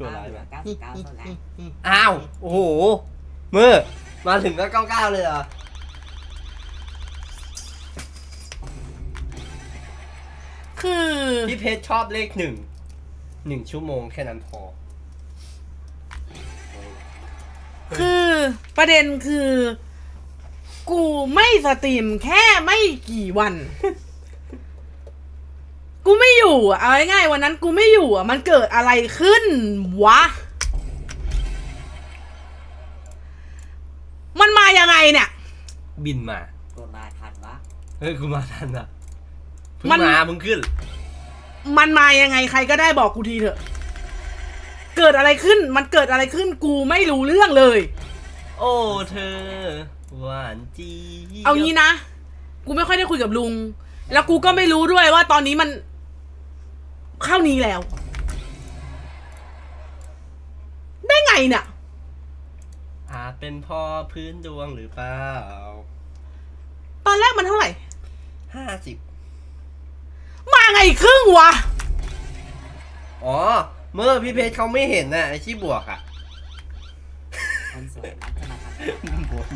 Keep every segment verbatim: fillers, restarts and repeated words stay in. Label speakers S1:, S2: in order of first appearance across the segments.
S1: ชั่วร้าย
S2: เหลื
S1: มา
S2: อเก้าสิบเก้าเท่านั้น
S1: อ้าวโอ้โหเมื่อมาถึงก็เก้าเก้าเลยเหรอ
S3: คือ
S1: พี่เพชรชอบเลขหนึ่งหนึ่งชั่วโมงแค่นั้นพอ
S3: คือประเด็นคือ กูไม่สตรีมแค่ไม่กี่วัน กูไม่อยู่อ่ะเอาง่ายๆวันนั้นกูไม่อยู่อ่ะมันเกิดอะไรขึ้นวะ มันมายังไงเนี่ย
S1: บินมา
S2: ตัวมาทันวะ
S1: เฮ้ยกูมาทันอ่ะเพิ่ง
S3: มัน
S1: มามึงขึ้น
S3: มันมายังไงใครก็ได้บอกกูทีเถอะ เกิดอะไรขึ้น มันเกิดอะไรขึ้นกูไม่รู้เรื่องเลย
S1: โอ้เธอหวานจี
S3: เอางี้นะ กูไม่ค่อยได้คุยกับลุง แล้วกูก็ไม่รู้ด้วยว่าตอนนี้มัน เข้านี้แล้ว ได้ไงเนี่ย
S1: อาจเป็นพ่อพื้นดวงหรือเปล่า
S3: ตอนแรกมันเท่าไหร่
S1: ห้าสิบ
S3: มาไงครึ่งวะ
S1: อ๋อเมื่อพี่เพชรเขาไม่เห็นน่ะไอ้ที่บวกอ่ะ
S2: คนสวยมักจะมาทำ
S1: บวกไหม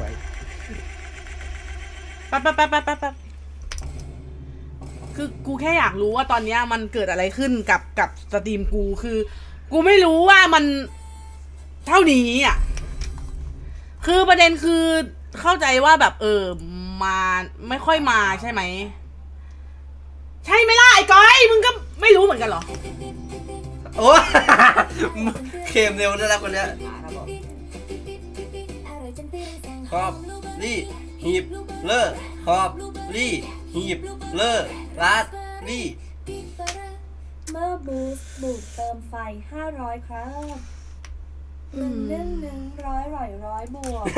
S3: แป๊บแป๊บแป๊บแป๊บแป๊บแป๊บคือกูแค่อยากรู้ว่าตอนเนี้ยมันเกิดอะไรขึ้นกับกับสตรีมกูคือ กูไม่รู้ว่ามันเท่านี้อ่ะ คือประเด็นคือเข้าใจว่าแบบเออมาไม่ค่อยมาใช่ไหม ใช่ไหมล่ะไอ้ก้อยมึงก็ไม่รู้เหมือนกันเหรอ
S1: โอ้เค็มเร็วได้แล้วคนเนี้ย
S2: ครับผม
S1: ขอบรี่หีบเลิกขอบรี่หีบเลิกรัดรี่
S4: เมื่อบูสต์บูดเติมไฟห้าร้อยครับหนึ่งหนึ่งหนึ่งร้อยร้อยร้อยบวก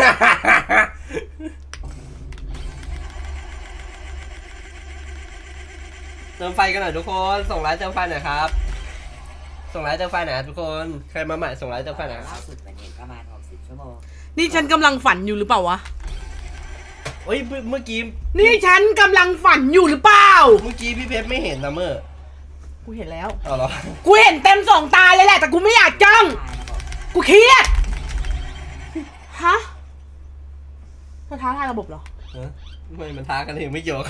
S1: เติมไฟกันหน่อยทุกคนส่งไลน์เติมไฟหน่อยครับส่งไลน์เติมไฟหน่อยทุกคนใครมาใหม่ส่งไลน์เติมไฟหน่อย
S2: ล่าสุดวันนี้ประมาณหกสิบชั่วโมง
S3: นี่ฉันกำลังฝันอยู่หรือเปล่าวะ
S1: เฮ้ยเมื่อกี้
S3: นี่ฉันกำลังฝันอยู่หรือเปล่า
S1: เมื่อกี้พี่เพชรไม่เห็นนะเมื่อ
S3: กูเห็นแล้ว
S1: เอาเหรอ
S3: กูเห็นเต็มสองตาเลยแหละแต่กูไม่อยากจ้อง
S2: ใช่ครับผม
S3: กูเครียด ฮะเธอท้าทายระบบเหรอ
S1: ฮะไม่มันท้ากันเองไม่เกี่ยวกับเขา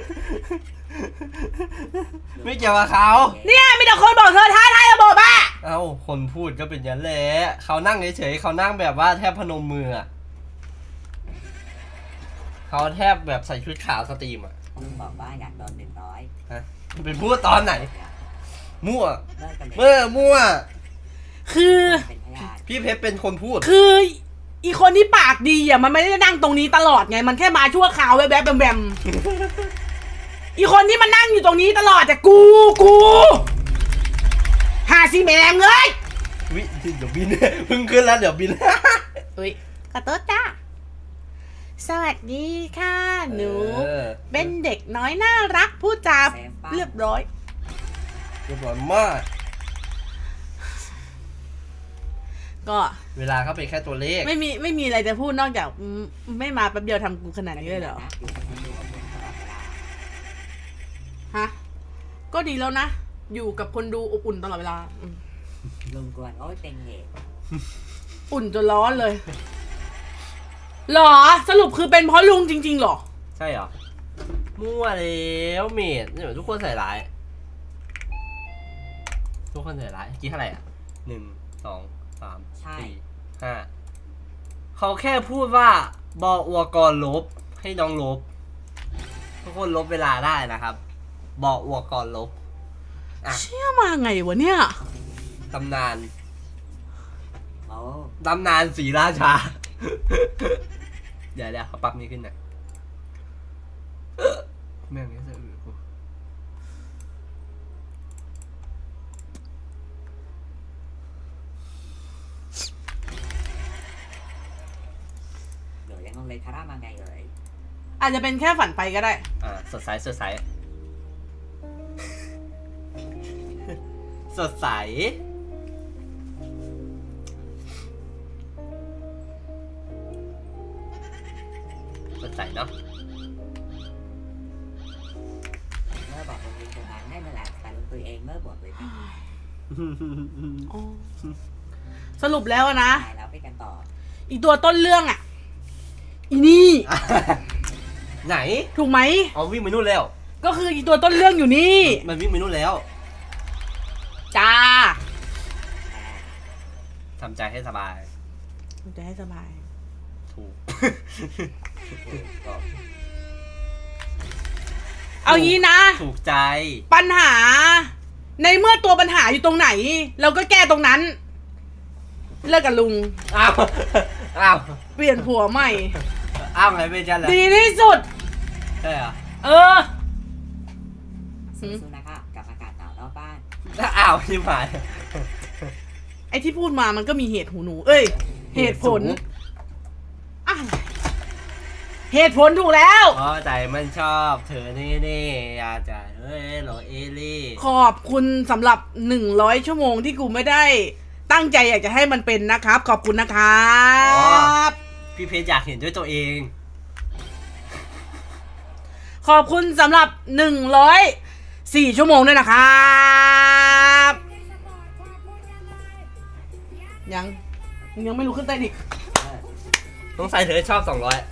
S1: ไม่เกี่ยวกับเขา
S3: เนี่ยมีแต่คนบอกเธอท้าทายระบบอะ
S1: เอ้าคนพูดก็เป็นอย่างนั้นแหละเขานั่งเฉยๆเขานั่งแบบว่าแทบพนมมืออะเขาแทบแบบใส่ชุดขาวสตรีมอ่ะ
S2: ลุงบอกว่าอยากโดนหนึ่งร้อย
S1: ฮะเป็นพูดตอนไหน มั่ว
S2: เลิกกันเลย
S1: เมื่อมั่ว
S3: คือ
S2: เป็นพยาน
S1: พี่เพชรเป็นคนพูด
S3: คือ อีคนที่ปากดีอ่ะมันไม่ได้นั่งตรงนี้ตลอดไง มันแค่มาชั่วคราวแวบๆแบมๆ อีคนที่มันนั่งอยู่ตรงนี้ตลอดแต่กูกูหาซีแมงเลย
S1: วิเดี๋ยวบิน เพิ่งขึ้นแล้วเดี๋ยวบิน
S3: เฮ้ยขอโทษจ้าสวัสดีค่ะหนู
S1: เออ
S3: เป็นเด็กน้อยน่ารักพูดจาเรียบร้อย
S1: เรียบร้อยมาก
S3: ก็
S1: เวลาเขาเป็นแค่ตัวเลข
S3: ไม่มีไม่มีอะไรจะพูดนอกจากอืมไม่มาแป๊บเดียวทำกูขนาดนี้เลยเหรอ
S2: อยู่กับคนดูกับผมตลอดเวลา
S3: ฮะ ก็ดีแล้วนะ อยู่กับคนดูอบอุ่นตลอดเวลาอืม
S2: ลุงกวนโอ้ยเป็นเหตุ
S3: อุ่นจนร้อนเลยหรอสรุปคือเป็นเพราะลุงจริงๆหรอ
S1: ใช่เหรอ มั่วแล้วเมดเนี่ยทุกคนใส่ร้าย ทุกคนใส่ร้ายกี่เท่าไหร่อ่ะหนึ่งสองสามสี่ห้าเขาแค่พูดว่าบออวกรลบให้น้องลบ ทุกคนลบเวลาได้นะครับบออวกรลบอ่ะ
S3: เชื่อมาไงวะเนี่ย
S1: ตำนาน
S2: โอ้
S1: ตำนานศรีราชา เดี๋ยวเดี๋ยวเขาปรับนี้ขึ้นหน่อยเอ้อแม่งนี้จะอืดกู
S2: เดี๋ยวยังงงเลยคาร่ามาไงเอ่ย
S3: อาจจะเป็นแค่ฝันไปก็ได้
S1: อ่าสดใสสดใส สดใสสดใสเนาะ
S2: เมื่อบอกลุงยิงตรงนั้นได้นั่นแหละแต่ลุงคุยเองเมื่อบวกเลยนะ
S3: อ๋อสรุปแล้วอะนะ
S2: ตายแล้วไปกันต่อ
S3: อีตัวต้นเรื่องอะอีนี่
S1: ไหน
S3: ถูกไหม
S1: เอาวิ่งไปนู่นแล้ว
S3: ก็คืออีตัวต้นเรื่องอยู่นี่
S1: มันวิ่งไปนู่นแล้ว
S3: จ้า
S1: ทำใจให้สบาย
S3: จะให้สบาย
S1: ถูก
S3: เอางี้นะ
S1: ถูกใจ
S3: ปัญหา ในเมื่อตัวปัญหาอยู่ตรงไหน เราก็แก้ตรงนั้น เลิกกับลุง
S1: อ้าว อ้าว
S3: เปลี่ยนผัวใหม่
S1: อ้าวไงเป็นจันเหรอ
S3: ดีที่สุด
S1: ใช่เหรอ
S3: เออ
S2: สู้ๆนะคะกับอากาศหนาวนอกบ้าน
S1: อ้าวชิบหาย
S3: ไอ้ที่พูดมามันก็มีเหตุหูหนู เอ้ย เหตุผลอะไรเหตุผลถูกแล้ว
S1: เพราะใจมันชอบ เธอนี่นี่อยากจะเฮ้ยโหลเอลี่
S3: ขอบคุณสำหรับหนึ่งร้อยชั่วโมงที่กูไม่ได้ตั้งใจอยากจะให้มันเป็นนะครับ ขอบคุณนะครับ
S1: พี่เพชรอยากเห็นด้วยตัวเอง
S3: ขอบคุณสำหรับหนึ่งร้อยสี่ชั่วโมงด้วยนะครับยังยังไม่รู้ขึ้นใต้ดิก
S2: เออ
S1: ต้องใส่เธอชอบสองร้อย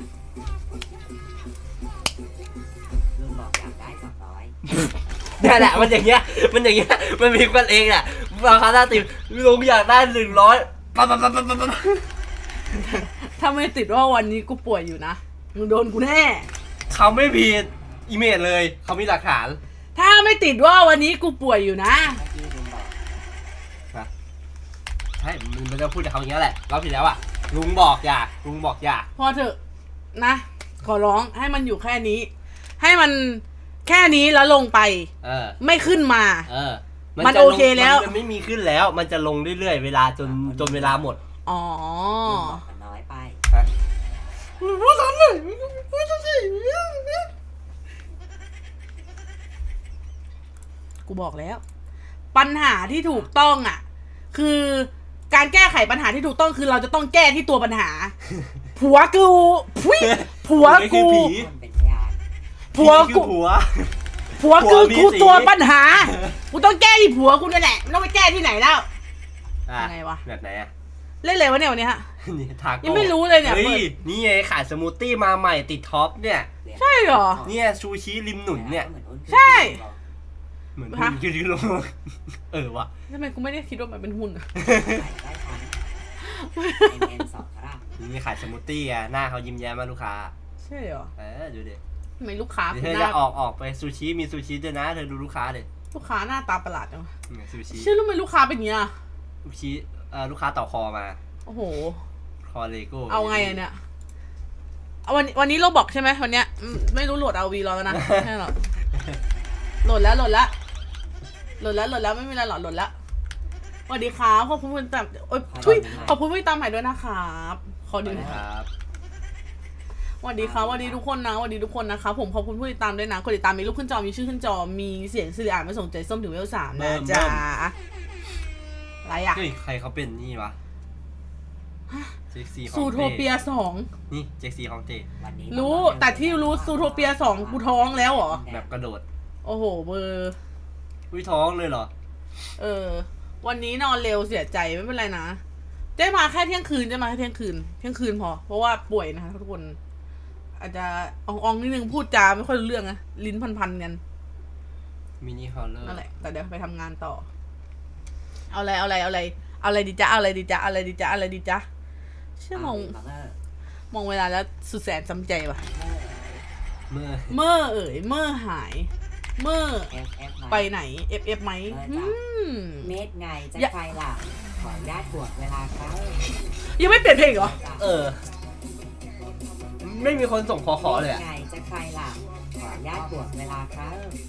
S2: ลุงบอกอยากได้สองร้อย
S1: นี่แหละมันอย่างเงี้ย มันอย่างเงี้ย มันมีกันเองแหละราคาหน้าติมลุงอยากได้หนึ่งร้อยปั๊บปั๊บปั๊บปั๊บปั๊บ
S3: ถ้าไม่ติดว่าวันนี้กูป่วยอยู่นะมึงโดนกูแน่
S1: เขาไม่ผิดอีเมลเลย เขามีหลักฐาน
S3: ถ้าไม่ติดว่าวันนี้กูป่วยอยู่นะ
S2: เมื่อกี้ลุงบอก
S1: ใช่ มันจะพูดกับเขาอย่างเงี้ยแหละเราผิดแล้วอ่ะ ลุงบอกอย่า ลุงบอกอย่า
S3: พอเถอะนะ ขอร้องให้มันอยู่แค่นี้ ให้มันแค่นี้แล้วลงไป
S1: เออ
S3: ไม่ขึ้นมา
S1: เออ
S3: มัน
S1: จะ
S3: โอ
S1: ลง
S3: เคแล้ว
S1: มันไม่มีขึ้นแล้ว มันจะลงเรื่อยๆ เวลาจนจนเวลาหมด
S3: อ๋อ
S2: ลุงบอกมันน้อยไป
S1: พูดซ้ำเลยพูดซ้ำสิ
S3: กูบอกแล้ว ปัญหาที่ถูกต้องอ่ะ คือการแก้ไขปัญหาที่ถูกต้องคือเราจะต้องแก้ที่ตัวปัญหา ผัวกูพุ้ยผัวกู
S2: มันเป็นพยาน
S3: ผัว
S1: ผี
S3: กู
S1: คือผัว
S3: ผัว
S1: ผั
S3: กู
S1: วมี
S3: กู
S1: สี
S3: ตัวปัญหา กูต้องแก้ที่ผัวกูนั่นแหละไม่ต้องไปแก้ที่ไหนแล้ว
S1: อ่ะ
S3: ยังไงวะ
S1: แบบไหนอ่ะ
S3: เล่นอะไรวะเนี่ยวันนี้ฮะ
S1: นี่ทาโก้
S3: ยังไม่รู้เลยเนี่ย
S1: ฮ้
S3: เปิด
S1: นี่ไงขายสมูทตี้มาใหม่ติดท็อปเนี่ย
S3: ใช่เหรอ
S1: เนี่ยชูชีริมหนุนเนี่ย
S2: เหมือนอ้นขึ้น
S3: ใช่
S1: เหมือน
S3: ฮะ
S1: หุ่นยืนลงเออวะ
S3: ทำไมกูไม่ได้คิดว่ามันเป็นหุ่นอะ
S2: ใส่ได้ทั้งไอเมนสองครับ
S1: นี่ขายสมูทตี้อ่ะหน้าเขายิ้มแย้มมากลูกค้า
S3: ใช่เหรอ
S1: เออดูดิ
S3: ทำไมลูกค้า
S1: เดี๋ยว
S3: คุ
S1: เธ
S3: ณ
S1: อ
S3: ห
S1: จะ
S3: น้า
S1: ออกออกไปซูชิมีซูชิด้วยนะเธอดูลูกค้าเลย
S3: ลูกค้าหน้าตาประหลาดจังวะ
S1: เนี่ยซูชิ
S3: เชื่อรู้ไหมลูกค้าเป็นอย่างเงี้ย
S1: ซูชิเอ่อลูกค้าต่อคอมา
S3: โอ้โห
S1: คอเลโก้
S3: เอาไงอะเนี่ยเอาวันวันนี้เราบอกใช่ไหมวันเนี้ยอืมไม่รู้โหลดเอาวีรอแล้วนะ ใช่หรอโหลดแล้วโหลดแล้วโหลดแล้วโหลดแล้วไม่มีอะไรหรอกโหลดแล้วสวัสดีครับขอบคุณผู้ติดตามโอ๊ยทุยขอบคุณผู้ติดตามใหม่ด้วยนะครับขอดูหน่อย
S1: ครับ
S3: สวัสดีครับสวัสดีทุกคนนะสวัสดีทุกคนนะครับผมขอบคุณผู้ติดตามด้วยนะกดติดตามมีรูปขึ้นจอมีชื่อขึ้นจอมีเสียงสิริอ่านมาส่งใจส้มถึงเวลสามนะจ๊ะอะไรอ่ะ
S1: เฮ้ยใครเขาเป็นนี่วะเจ็กซี่ของ
S3: ซูโทเปียสอง
S1: นี่เจ็กซี่ของเจ
S2: วันนี้
S3: รู้แต่ที่รู้ซูโทเปียสองกูท้องแล้วเหรอ
S1: แบบกระโดด
S3: โอ้โหเบอร์
S1: อุ้ยท้องเลยเหรอ
S3: เออ วันนี้นอนเร็วเสียใจไม่เป็นไรนะเจ๊มาแค่เที่ยงคืนเจ๊มาแค่เที่ยงคืนเที่ยงคืนพอ เพราะว่าป่วยนะคะทุกคน อาจจะอ่องๆนิดนึงพูดจาไม่ค่อยรู้เรื่องนะลิ้นพันๆกัน
S1: มินิฮอลเลอร์
S3: นั่นแหละแต่เดี๋ยวไปทำงานต่อ เอาอะไรเอาอะไรเอาอะไรเอาอะไรดีจ๊ะเอาอะไรดีจ๊ะเอาอะไรดีจ๊ะเอาอะไรดีจ๊ะเชื่อมอง
S2: เมื่อ
S3: มองเวลาแล้วสุดแสนสำใจว่ะ
S1: เมื่อ
S3: เมื่อเอ๋ยเมื่อหาย เมื่อ
S2: เอฟเอฟ
S3: ไปไหนเอฟเอฟไหมอืม
S2: เมตรไงจะใครล่ะขออนุญาตบวกเวลาเขา
S3: ยังไม่เปลี่ยนเพลงเหรอ
S1: เออ ไม่มีคนส่งขอขอเลยอะ
S2: ไงจะใครล่ะขออนุญาตบวกเวลาเขา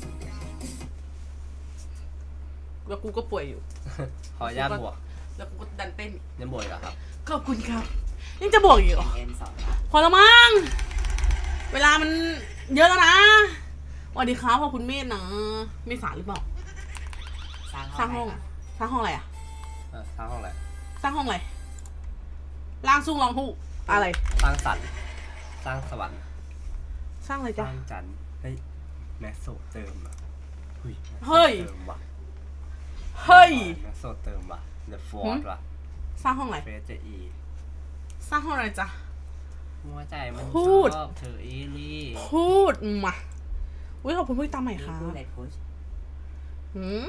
S3: แล้วกูก็ป่วยอยู่
S1: ขออนุญาตบวก
S3: แล้วกูก็ดันเต้น
S1: ยังบวกอีกเหรอครับ
S3: ขอบคุณครับยังจะบวกอีกเหรอ
S2: เอ็มสองครับ
S3: พอแล้วมั้งเวลามันเยอะแล้วนะสวัสดีครับขอบคุณเมธนะเมษาหรือเปล่า
S2: สร้าง
S3: สร้างห้อง
S2: ไหนครับ
S3: สร้างห้องอะไรอะ
S1: เออสร้างห้องอะไร
S3: สร้างห้องอะไรล่างสู้รองผู้อะไร
S1: สร้างสรรค์สร้างสวรรค์
S3: สร้างอะไร
S1: ส
S3: จ๊ะ
S1: ร้างจันทร์เฮ้ยแมสโซเติมอ่ะเฮ้ย
S3: เฮ้ย
S1: เติมว่ะ
S3: เฮ้ย
S1: แมสโซเติมว่ะเดอะฟอร์ดว่ะ
S3: สร้างห้องอะไร
S1: เฟสเจอี
S3: สร้างห้องอะไรจ๊ะ
S1: หัวใจมัน
S3: พูด
S1: ชอบเธอเอลี่
S3: พูดมาอุ้ยขอบคุณผู้ติดตามใหม่
S2: มี
S3: ค่ะ
S2: ผู้เล่นโค้ช
S3: หืม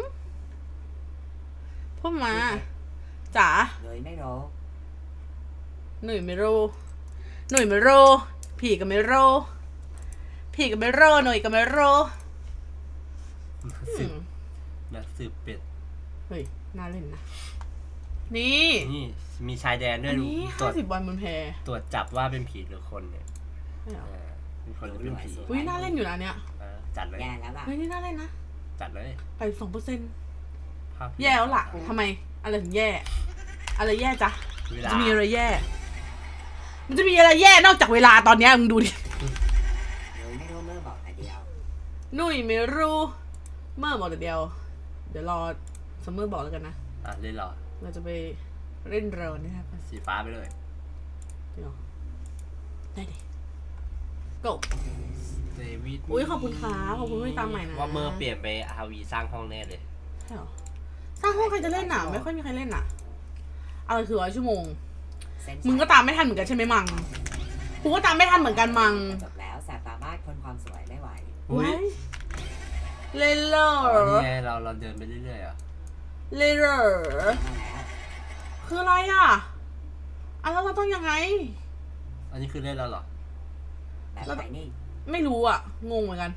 S3: พูดมาจ๋า
S2: เลยไม่รู้
S3: หนุ่ยไม่รู้หนุ่ยไม่รู้ผีก็ไม่รู้ผีก็ไม่รู้หนุ่ยก็ไม่รู้
S1: สืบนักสืบเป็ด
S3: เฮ้ยน่าเล่นนะนี่
S1: นี่มีชายแดนด้ว
S3: อั
S1: ย
S3: นนี้
S1: ตร
S3: ห้าว
S1: จ
S3: สิบวันบนแพ
S1: ตรวจจับว่าเป็นผีหรือคนเนี่ย
S3: ใช่เหรอ
S1: เออเป็นคนหรือเป็นผี
S3: อุ้ยน่าเล่นอยู่นะเนี่ย
S1: เออจัดเลย
S2: แย่แล้วล่ะ
S3: เฮ้ยนี่น่าเล่นนะ
S1: จัดเลย
S3: ไปสองเปอร์เซ็นต์
S1: ภาพ
S3: แย่แล้วล่ะทำไมอะไรถึงแย่ อะไรแย่จ๊ะ
S1: เวลา
S3: จะมีอะไรแย่ มันจะมีอะไรแย่นอกจากเวลาตอนเนี้ยมึงดูดิ
S2: เลยไม่รู้เมื่อบอกแต่เดียว
S3: หนุ่ยไม่รู้เมื่อบอกแต่เดียว เดี๋ยวรอซัมเมอร์บอกแล้วกันนะ
S1: อ่ะเล่นเหรอ
S3: เราจะไปเล่นเรอนะครับ
S1: สีฟ้าไปเลย
S3: จริงเหรอได้ดิ go
S1: เดวิด
S3: อุ๊ยขอบคุณครับขอบคุณที่ตามใหม่นะ
S1: ว่าเมื่อเปลี่ยนไปอาวีสร้างห้องแน่เลย
S3: ใช่เหรอสร้างห้องใครจะเล่นอ่ะ ไม่ค่อยมีใครเล่นอ่ะอะไรคือร้อยชั่วโมง
S2: เส้น
S3: มึงก็ตามไม่ทันเหมือนกันใช่ไหมมังกูก็ตามไม่ทันเหมือนกันมัง
S2: จบแล้วแสบตามากคนความสวยไม่ไหว
S1: อุ๊ย
S3: ไว้เล่นเหรอ
S1: อ๋อนี่ไงเราเราเดินไปเรื่อยๆอ่ะ
S3: เล่นเหรอ
S2: มาแล้ว
S3: คืออะไรอ่ะอ่ะแล้วเราต้องยังไง
S1: อันนี้คือเล่นแล้วเหรอ
S2: แบบไหนนี่
S3: ไม่รู้อ่ะ งงเหมือนกัน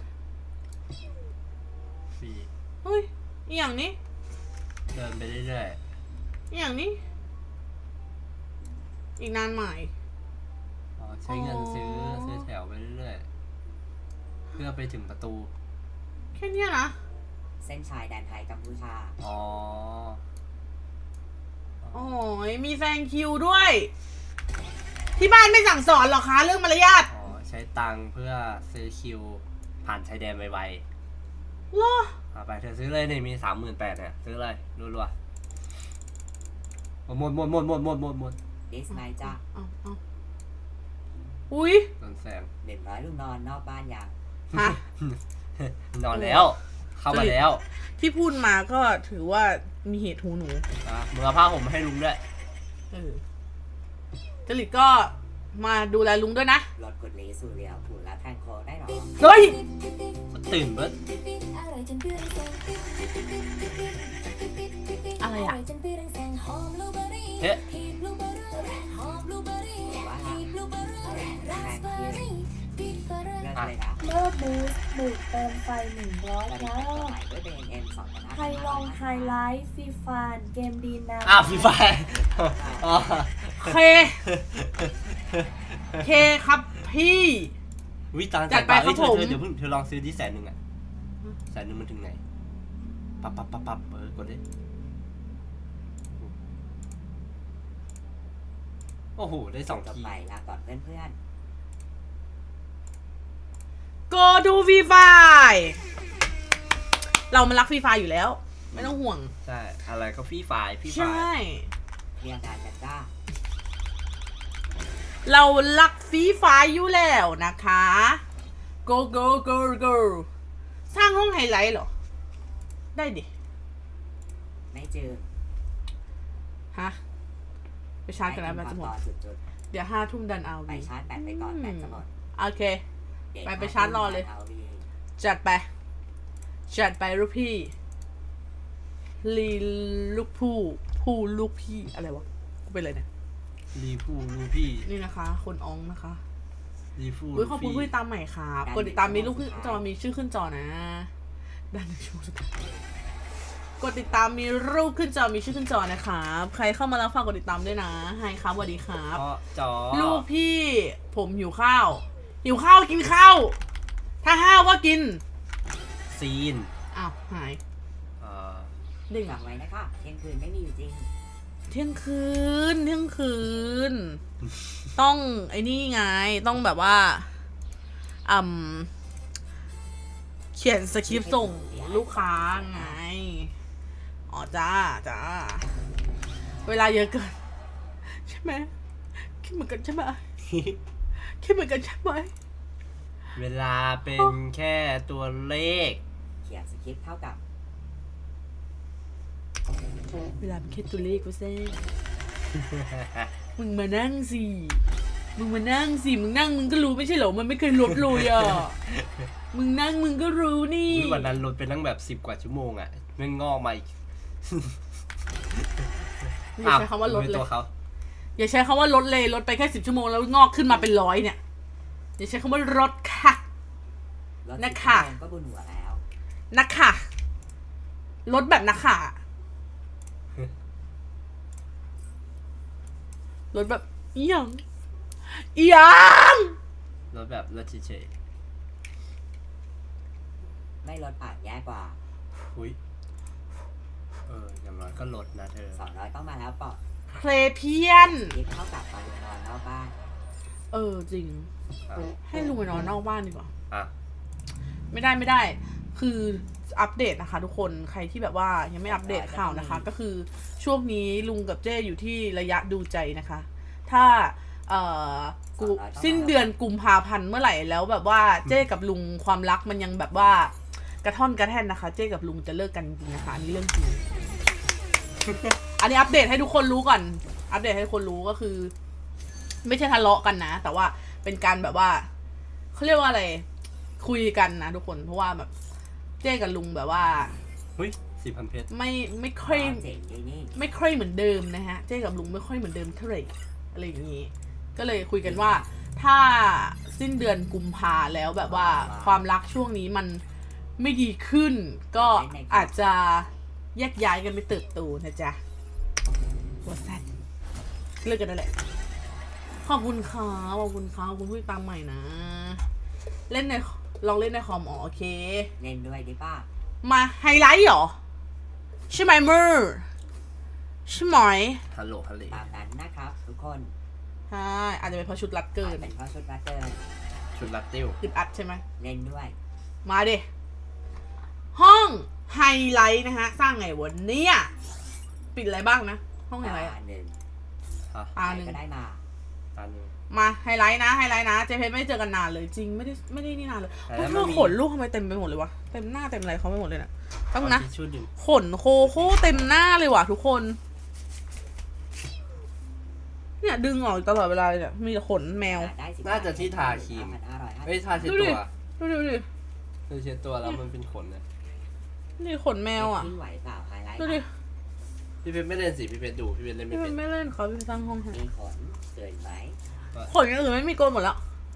S1: ฟรี
S3: เฮ้ยอหย่างนี้
S1: เดินไปเรื่อย
S3: อหย่างนี้ อีกนานใหม่
S1: ๆอ๋อใช้เงินซื้อ
S3: อ๋อ
S1: ซื้อแถวไปเรื่อยๆเพื่อไปถึงประตู
S3: แค่เนี้ยนะ
S2: เส้นชายแดนไทยกัมพูชา
S1: อ๋อ
S3: โอ้ยมีแซงคิวด้วย ที่บ้านไม่สั่งสอนหรอคะเรื่องมารยาท
S1: อ๋อใช้ตังค์เพื่อซื้อคิว ผ่านชายแดนไว
S3: เหรอ
S1: ๆเอาไปเธอซื้อเลยนี่มีสามหมื่นแปดเนี่ยซื้อเลยรัวๆหมดหมดหมดหมดหมดหมดหมด
S2: ดิสไนจ้า
S3: เอาเอาอุ้ย
S1: โดนแซง
S2: หนึ่งร้อยลูกนอนนอกบ้านอย่าง
S3: ฮะ
S1: นอนแล้ว เข้ามาแล้ว
S3: ที่พูดมาก็ถือว่ามีเหตุหูหนู
S1: อ่ะมึงเอาผ้าห่มมาให้ลุงด้วย
S3: เออจริตก็มาดูแลลุงด้วยนะ
S2: รถกุดลีสูเรียวผูและแทงโคได้หรอ
S3: เฮ้ย
S1: ตื่นเบิ้ล
S3: อะไรอ่ะ
S1: เฮ้
S2: ว่าแทงคิวเลิกเลยนะ
S4: เมื่อบูสบูดเติมไฟหนึ่งร้อย
S2: ตอน
S4: ค
S2: นี้
S4: รั
S2: แต่งตัว
S4: บ
S2: ใหม่ด้วยเป็นเอ็นสองพันห้า
S4: ไฮลองไฮไลท์ฟรีฟานเกมดีนะ
S1: อ้าวฟรีไฟอ๋อ
S3: เค เคครับพี่
S1: วิตัง
S3: จัดไปครับ
S1: เฮ้ยเธอ
S3: ผม
S1: เธอเดี๋ยวเพิ่งเธอลองซื้อที่แสนหนึ่งอ่ะแสนหนึ่งมันถึงไหน ปั๊บปั๊บปั๊บปั๊บเออกดดิโอ้โห ได้สอง
S2: จบ
S1: ที
S2: ไปลาก่อนเพื่อน
S3: go to ฟรีไฟเรามันรักฟรีไฟอยู่แล้ว ไม่ต้องห่วง
S1: ใช่ อะไรก็ฟรีไฟฟรีไฟ
S3: ใช่
S2: ๆเรียงงานกันจ้า
S3: เรารักฟรีไฟอยู่แล้วนะคะ go go go go สร้างห้องไฮไลท์เหรอ ได้ดิ
S2: ไม่เจอ
S3: ฮะ ไปชาร์จกันแล้วแบตจะหมด
S2: ต่อจุด
S3: เดี๋ยวห้าทุ่มดันเอา
S2: ๆไป
S3: วี
S2: ชาร์จแบตไปก่อนแบตจะหมด
S3: โอเค ไปไปชาร์จรอเลย จัดไป จัดไปลูกพี่ ลีลูกผู้ ผู้ลูกพี่ อะไรวะกูเป็นอะไรเนี่ย
S1: รีพูรูพี่
S3: นี่นะคะ คนอองนะคะ
S1: รีพู
S3: อุ้ยขอบคุณผู้ติดตามใหม่ครับกดติดตามมีลูกขึ้นจอมีชื่อขึ้นจอนะดันชูสุดท้ายกดติดตามมีรูปขึ้นจอมีชื่อขึ้นจอนะครับใครเข้ามาแล้วฝากกดติดตามด้วยนะไฮครับสวัสดีครับ
S1: เพราะจอ
S3: ลูกพี่ ผมหิวข้าว หิวข้าวกินข้าว ถ้าห้าวก็กิน
S1: ซีน
S3: อ้าวหาย
S1: เอ่อ
S3: เด้ง
S2: ฝา
S3: อ่ะ
S2: กไว้นะคะเที่ยงคืนไม่มีอยู่จริง
S3: เที่ยงคืนเที่ยงคืน ต้องไอ้นี่ไงต้องแบบว่าอืมเขียนสคริปต์ส่งลูกค้าไง อ๋อจ้าจ้าเวลาเยอะเกิน ใช่ไหมคิดเหมือนกันใช่ไหมคิดเหมือนกันใช่ไหม
S1: เวลาเป็นแค่ตัวเลข
S2: เขียนสคริปต์เท่ากับ
S3: เวลาเป็นแค่ตัวเลขก็เซ่มึงมานั่งสิมึงมานั่งสิมึงนั่งมึงก็รู้ไม่ใช่เหรอมันไม่เคยลดเลยอ่ะมึงนั่งมึงก็รู้นี่
S1: อุ๊ยวันนั้นลดไปตั้งแบบสิบกว่าชั่วโมงอ่ะมันงอกมาอีก
S3: อย่าใช้คำว่าลด
S1: เป็น
S3: เล
S1: ตั
S3: ยว
S1: เขา
S3: อย่าใช้คำว่าลดเลยลดไปแค่สิบชั่วโมงแล้วงอกขึ้นมาเป็นร้อยเนี่ยอย่าใช้คำว่าลดค่ะ
S2: รถ
S3: นะ
S2: สิบ
S3: คะ
S2: ชั่วโมงก็บุญหัวแล้ว
S3: นักค่ะลดแบบนักค่ะลดแบบอีหยังอีหยัง
S1: ลดแบบลดเฉย
S2: ไม่ลดอาจแย่กว่า
S1: ๆอุ้ยเอออย่างน้อยก็ลดนะเธอ
S2: สองร้อยต้องมาแล้วปอด
S3: เพลเพียน
S2: คิดเท่ากับตอนนอนนอกบ้าน
S3: เออจริง
S1: อ่ะ
S3: ให้ลุงไปนอนนอกบ้านดีกว่า
S1: อ่ะ
S3: ไม่ได้ไม่ได้ คืออัปเดตนะคะ ทุกคน ใครที่แบบว่ายังไม่อัปเดตข่าวนะคะ ก็คือช่วงนี้ลุงกับเจ้อยู่ที่ระยะดูใจนะคะ ถ้าเอ่อกูสิ้นเดือนกุมภาพันธ์เมื่อไหร่แล้วแบบว่าเจ้กับลุงความรักมันยังแบบว่ากระท่อนกระแท่นนะคะ เจ้กับลุงจะเลิกกันจริงนะคะ อันนี้เรื่องจริง อันนี้อัปเดตให้ทุกคนรู้ก่อน อัปเดตให้ทุกคนรู้ก็คือ ไม่ใช่ทะเลาะกันนะ แต่ว่าเป็นการแบบว่าเขาเรียกว่าอะไร คุยกันนะทุกคน เพราะว่าแบบเจ้กับลุงแบบว่า
S1: หุ้ยสี่พันเพชร
S3: ไม่ไม่ค่อย
S2: เจ๋งดีนี่
S3: ไม่ค่อยเหมือนเดิมนะฮะ เจ้กับลุงไม่ค่อยเหมือนเดิมเท่าไหร่อะไรอย่างนี้ ก็เลยคุยกันว่า ถ้าสิ้นเดือนกุมภาแล้วแบบว่าความรักช่วงนี้มันไม่ดีขึ้น ก็อาจจะแยกย้ายกันไปเติบโตนะจ๊ะวัวแซดเลิกกันนั่นแหละ ขอบคุณค่ะขอบคุณค่ะขอบคุณผู้ติดตามใหม่นะ เล่นในลองเล่นในคอมอ๋อโอเค
S2: เล่นด้วยดิป้า
S3: มาไฮไลท์เหรอ ใช่ไหมมือใช่ไหม
S1: ฮัลโหลฮัลโหล
S2: ตามนั้นนะครับ ทุกคน
S3: ใช่อาจจะเป็นเพราะชุดรัดเกิน
S2: เป็นเพราะชุดรัตเตอร์
S1: ชุดลัตติ้ว
S3: อึดอัดใช่ไหม
S2: เล่นด้วย
S3: มาดิ ห้องไฮไลท์นะฮะ สร้างไงวันนี้ปิดอะไรบ้างนะ ห้องไฮไลท์
S2: ตาหนึ่ง
S1: ฮะ
S3: ตาหนึ่ง
S2: ก็ได้มา
S1: ตาหนึ่ง
S3: มาไฮไลท์นะไฮไลท์นะเจเพชรไม่ได้เจอกันนานเลยจริงไม่ได้ไม่ได้นี่นานเลย
S1: แต่
S3: เพราะ
S1: แล้ว
S3: เธ
S1: มัน
S3: อ
S1: มี
S3: ขนลูกทำไมเต็มไปหมดเลยวะเต็มหน้าเต็มอะไรเขาไม่หมดเลยนะต้องนะ
S1: เอาทิชชู่ดึง
S3: ขนโคโค่เต็มหน้าเลยว่ะทุกคน เนี่ยดึงออกตลอดเวลาเลยเนี่ยมีแต่ขนแมว
S2: ได้สิบ
S1: น่าจะที่ทาครีม
S2: ห้าร้อยห้าสิบ
S1: เอ้ยทาเช็ด
S3: ดู
S1: ตั
S3: ดิ
S1: ว
S3: ดูดิดูดิ
S1: เธอเช็ดตัวแล้วมันเป็นขนนะ
S3: นี่ขนแมวอ่ะ
S2: ทิ้งไหวเปล่าไฮไลท์
S3: ดูดิ
S1: พี่เพชรไม่เล่นสิพี่เพชรดูพี่เพชรเล่นไม่
S3: พี่
S1: เป็น
S3: ไม่เล่นเขาพี่สร้างห้องให้
S2: มีขนเกินไหม
S3: ขนอย่างอื่นไม่มีโกนหมดแล้ว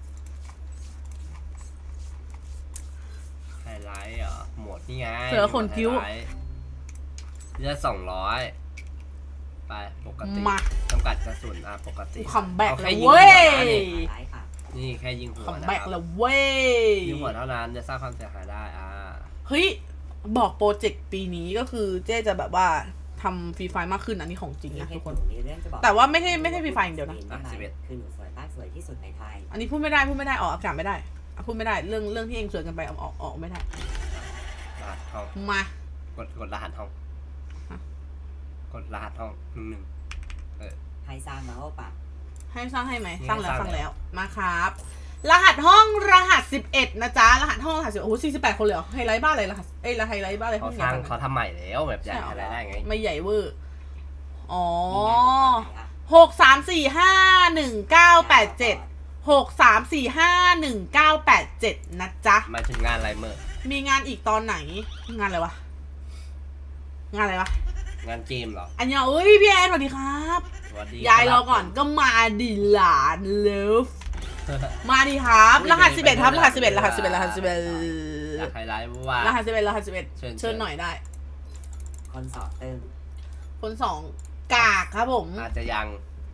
S1: ไฮไลท์เหรอหมดนี่ไง
S3: เสือขนคิ้ว
S1: ไฮไลท์เลือดสองร้อยไปปกติ
S3: มา
S1: จำกัดกระสุนอ่ะปกติ
S3: คัมแบ็ก
S1: อา
S3: แล้
S1: ค่
S3: ว
S1: ยิง
S3: เว้ย
S1: หัวนะ
S2: ไฮไลท์ค่ะ
S1: นี่แค่ยิงหัว
S3: คัม
S1: นะ
S3: แบ็ก
S1: ครับ
S3: แล้วเว้ย
S1: ยิงหัวเท่านั้นจะสร้างความเสียหายได้อ่า
S3: เฮ้ย บอกโปรเจกต์ปีนี้ก็คือเจ๊จะแบบว่าทำฟรีไฟมากขึ้นอันนี้ของจริงนะทุกคน
S2: มีเรื่องจะบอก
S3: แต่ว่าไม่ใช่ไม่ใช่ฟรีไฟอย่างเดียวนะ
S1: อ่ะสิบเอ็ด
S2: คือหนูสวยมากสวยที่สุดในไทย
S3: อันนี้พูดไม่ได้พูดไม่ได้ออกอากาศไม่ได้อ่ะพูดไม่ได้เรื่องเรื่องที่เองสวยกันไปเอาออกออกไม่ได้
S1: รหัสห้อง
S3: มา
S1: กดกดรหัสห้อง
S3: ฮะ
S1: กดรหัสห้องหนึ่งหนึ่งเออ
S2: ให้สร้างมาโอปะ
S3: ให้สร้างให้ไหม
S1: นี่
S3: สร้างแล้ว
S1: ส
S3: ส
S1: ร้า
S3: ร้าง ง
S1: แล้
S3: แล้ว วมาครับ รหัสห้องรหัสสิบเอ็ดนะจ๊ะรหัสห้องรหัสสิบโอ้โหสี่สิบแปดคนเลยเหรอไฮไลท์บ้านอะไรรหัสเอ้ยไฮไลท์บ้านอะไร
S1: เขา
S3: ห้อง
S1: ส
S3: ใหญ่
S1: ร้าง
S3: ขนาด
S1: เขา
S3: นั้น
S1: ทำใหม่แล้วแบบใหญ่
S3: ใช่เหรอ
S1: อะไรได้ไง
S3: ไม่ใหญ่เวอร์อ๋อ
S2: มีงานอยู่ฝั่งไหนอะ
S3: หกสามสี่ห้าหนึ่งเก้าแปดเจ็ดหกสามสี่ห้าหนึ่งเก้าแปดเจ็ดนะจ๊ะ
S1: หมายถึงงานอะไรเมื่อ
S3: มีงานอีกตอนไหน งานอะไรวะ งานอะไรวะ
S1: งานเกมเหรอ
S3: อันยองเอ้ยพี่แอนสวัสดีครับ
S1: สวัสดี
S3: ยายรอก่อนก็มาดิหลานเลิฟมาดิครับ รหัสสิบเอ็ดครับรหัสสิบเอ็ดรหัสสิบเอ็ดรหัสสิบเอ็ด
S1: อยากไฮไลท์ว่าร
S3: หัสสิบเอ็ดรหัสสิบเอ็ด
S1: เชิญ
S3: เชิญหน่อยได้
S2: คนสอบตึง
S3: คนสองกากครับผม
S1: อาจจะยัง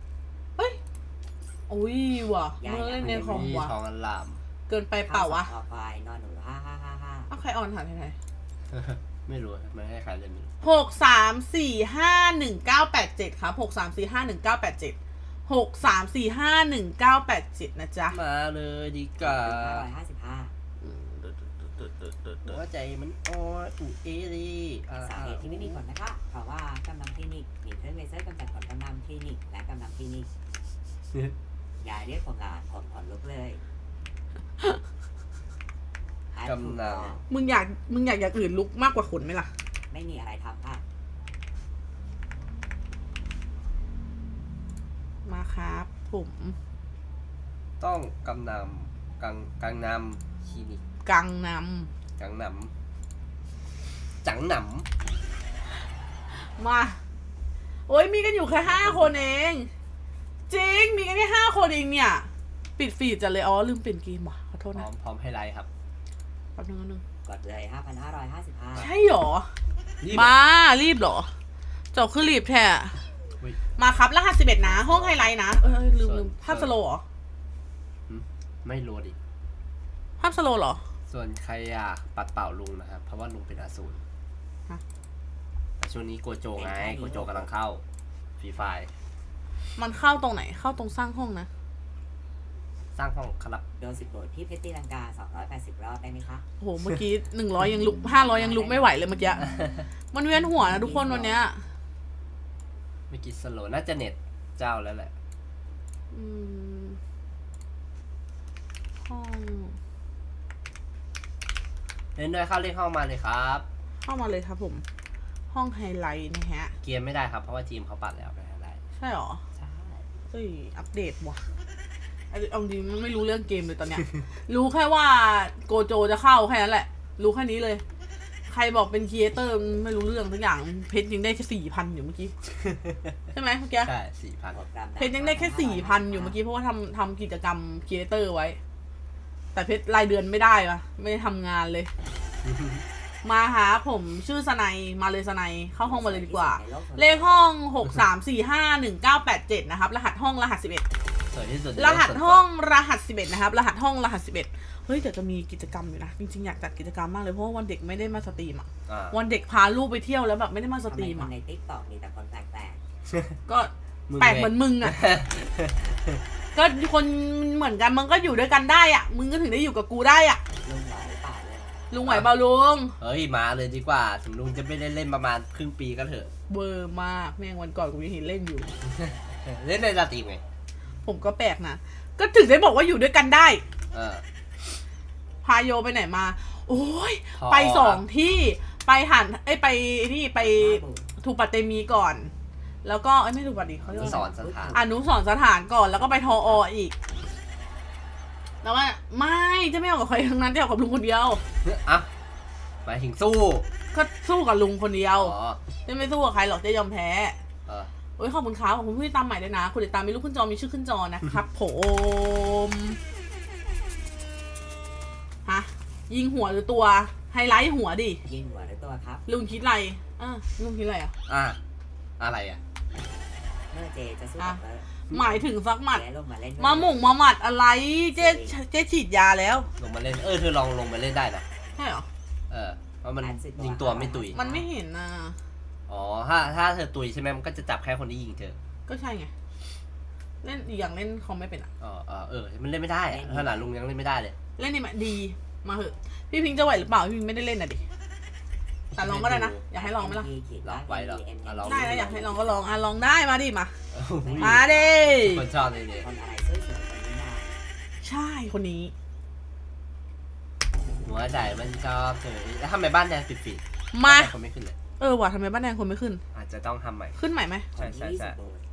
S3: อุ้ยว่ะเมื่อเล่นในคอม
S1: มี
S3: ว่ะ
S1: ทองอันลาม
S3: เกินไปเปล่าวะ
S2: ข้อควายนอนหนูห้าห้าห้าห้า
S3: เอาใครออนถามไทย
S1: ไม่รู้ไม่ให้ใครเล่นไม่รู้
S3: หกสามสี่ห้าหนึ่งเก้าแปดเจ็ดครับหกสามสี่ห้าหนึ่งเก้าแปดเจ็ดหกสามสี่ห้าหนึ่งเก้าแปดเจ็ดนะจ๊ะ
S1: มาเลยดีกว่า
S2: ห้าร้อยห้าสิบห้า
S1: หัวใจมันอ่อนอุเอรีอ่า
S2: สาเหตุที่ไม่มีผลนะคะ เพราะว่ากำลังคลินิกมีเครื่องเลเซอร์กำจัดขนกำลังคลินิกและกำลังคลินิกอย่าเรียกผมหลานผมขนลุกเลย
S1: กำลัง
S3: มึงอยากมึงอยากอย่างอื่นลุกมากกว่าขนไหมล่ะ
S2: ไม่มีอะไรทำค่ะ
S3: ครับ ผม
S1: ต้องกำนำกังกังนำคลินิก
S3: กังน
S1: กังนำจังหน
S3: ำมา โอ้ยมีกันอยู่แค่ห้าคนเอง จริง มีกันแค่ห้าคนเองเนี่ย ปิดฟีดจัดเลย อ๋อ ลืมเปลี่ยนเกมว่ะ ขอโทษ
S1: ำพร้
S3: นะ
S1: อมพร้อมให้ไลค์ครับ
S3: แป๊บนึงแป๊บนึง
S2: กดเลยห้าพันห้าร้อยห้าสิบห้า
S3: ใช่หรอ
S1: รีบ
S3: มา รีบเหรอเจ้าคือรีบแท้
S1: อุ๊ย
S3: มาครับรหัสสิบเอ็ดนะ ห้องไฮไลท์นะ เออลืมลืม
S1: ส่วน
S3: ภาพสโลว์เหรอ
S1: หึไม่รู้ดิ
S3: ภาพสโลว์เหรอ
S1: ส่วนใครอยากปัดเป่าลุงนะครับ เพราะว่าลุงเป็นอสูร
S3: ฮะ
S1: แต่ช่วงนี้โกโจไง โกโจกำลังเข้าฟรีไฟ
S3: มันเข้าตรงไหน เข้าตรงสร้างห้องนะ
S1: สร้างห้องครับ
S2: โดนสิบโบทพี่เพชรตีลังกาสองร้อยแปดสิบรอบได้ไหมคะ
S3: โอ้โห เมื่อกี้หนึ่งร้อยยังลุกห้าร้อยยังลุกไม่ไหวเลยเมื่อกี้ มันเวียนหัวนะทุกคนวันเนี้ย
S1: ไม่กิดสโลว์น่าจะเน็ตเจ้าแล้วแหละ
S3: อืมห้อง
S1: เล่นด้วยเข้าเล่นห้องมาเลยครับ
S3: เข้ามาเลยครับผม ห้องไฮไลท์นะฮะ
S1: เกียร์ไม่ได้ครับ เพราะว่าทีมเขาปัดแล้วไม่ได้
S3: ใช่หรอ
S1: ใช่
S3: เอ้ย อัปเดตว่ะเอาเอาจริงๆไม่รู้เรื่องเกมเลยตอนเนี้ย รู้แค่ว่าโกโจจะเข้าแค่นั้นแหละ รู้แค่นี้เลย ใครบอกเป็นครีเอเตอร์ไม่รู้เรื่องทุกอย่าง เพชรยังได้แค่สี่พันอยู่เมื่อกี้ ใช่ไหมเมื่อกี้
S1: ใช่สี่พัน
S2: กดกรัม
S3: เพชรยังได้แค่สี่พันอยู่เมื่อกี้เพราะว่าทำทำกิจกรรมครีเอเตอร์ไว้ แต่เพชรรายเดือนไม่ได้ปะไม่ได้ทำงานเลย มาหาผมชื่อสไนยมาเลยสไนยเข้าห้องมาเลยดีกว่า เลขห้องหกสามสี่ห้าหนึ่งเก้าแปดเจ็ดนะครับ รหัสห้องรหัสสิบเอ็ด
S1: สวยที่สุด
S3: รหัสห้องรหัสสิบเอ็ดนะครับ รหัสห้องรหัสสิบเอ็ดเฮ้ยเดี๋ยวจะมีกิจกรรมอยู่นะ จริงๆอยากจัดกิจกรรมมากเลยเพราะว่าวันเด็กไม่ได้มาสตรีมอ่ะ
S1: อ่า
S3: วันเด็กพาลูกไปเที่ยวแล้วแบบไม่ได้มาส
S2: ทำ
S3: ต
S2: ไม
S3: รีม
S2: คน
S3: อ่ะ
S2: ในติ๊กต็อกมีแต่คนแปลก
S3: ก็ แปลกเหมือนมึงอ่ะ ก็คนเหมือนกันมึงก็อยู่ด้วยกันได้อ่ะ มึงก็ถึงได้อยู่กับกูได้อ่ะ
S2: ๆลุงไหวเปล่าเลย
S3: ลุงไหวเปล่าลุง
S1: เฮ้ยมาเลยดีกว่า ถึงลุงจะไม่ได้เล่นประมาณครึ่งปีก็เถอะ
S3: เบอร์มากแม่งวันก่อนกูยังเห็นเล่นอยู่
S1: เล่นในสตรีมไง
S3: ผมก็แปลกนะ ก็ถึงได้บอกว่าอยู่ด้วยกันได้
S1: เออ
S3: พาโยไปไหนมา โอ้ย
S1: พอ
S3: ไปสองที่ ไปหันไอ้ยไปที่ไปทูปาเตมีก่อน แล้วก็ไอ้ยไม่ทูปาติเขาเรียกว่า
S1: ส
S3: อะ
S1: อ
S3: ไร
S1: นสถาน
S3: อนุสรณ์สถานก่อน แล้วก็ไปทอออีก แล้วว่าไม่จะไม่เอากับใครทั้งนั้นจะเอากับลุงคนเดียว
S1: อ่ะหมายถึงสู้
S3: ก็สู้กับลุงคนเดียว
S1: อ๋อ
S3: จะไม่สู้กับใครหรอกจะยอมแพ้
S1: เออ
S3: โอ้ยขอบคุณครับขอบคุณผู้ติดตามใหม่ด้วยนะคุณติดตามมีรูปขึ้นจอมีชื่อขึ้นจอนะครับ ผมฮะยิงหัวหรือตัวไฮไลท์หัวดิ
S2: ยิงหัวหรือตัวครับ
S3: ลุงคิดอะไรอ่ะลุงคิดอะไรอ่ะ
S1: อ่ะอะไรอ่ะ
S2: เมื่อเจจะสู้กับเตอร์
S3: หมายถึงซักหมัด
S2: เจ๊ลงมาเล่นด้วย
S3: มาหม่งมาหมัดอะไรเจ๊เจ๊ฉีดยาแล้ว
S1: ลงมาเล่น เออเธอลองลงมาเล่นได้นะ
S3: ใช่เหรอ
S1: เออ เพราะมันยิงตัวไม่ตุย
S3: มันไม่เห็นนะ
S1: อ๋อ ถ้าถ้าเธอตุยใช่ไหมมันก็จะจับแค่คนที่ยิงเธอ
S3: ก็ใช่ไงเล่นอีกอย่างเล่นคอมไม่เป็นอ่ะ
S1: อ๋อเออเออ มันเล่นไม่ได้อะขนาดลุงยังเล่นไม่ได้เลย
S3: เล่นนี่มาดีมาเหอะพี่พิงค์จะไหวหรือเปล่าพี่พิงค์ไม่ได้เล่นน่ะดิแต่ลองก็ได้นะอยากให้ลองไหมล่ะ
S1: ลองไว้เหรออ่ะลอง
S3: ได้นะอยากให้ลองก็ลองอ่ะลองได้มาดิมา
S1: โอ้โห
S3: มาดิ
S1: คนชอบเลยเนี่ย
S2: คนอะไรสวยๆคนนี้นะ
S3: ใช่คนนี้
S1: หัวใจมันชอบเธอแล้วทำไมบ้านแดงปิดปิด
S3: มา
S1: คนไม่ขึ้นเลย
S3: เออว่ะทำไมบ้านแดงคนไม่ขึ้น
S1: อาจจะต้องทำใหม่
S3: ขึ้นใหม่ไหม
S1: ใช่ใช่ใช่
S2: คนที่ยี่สิบโบท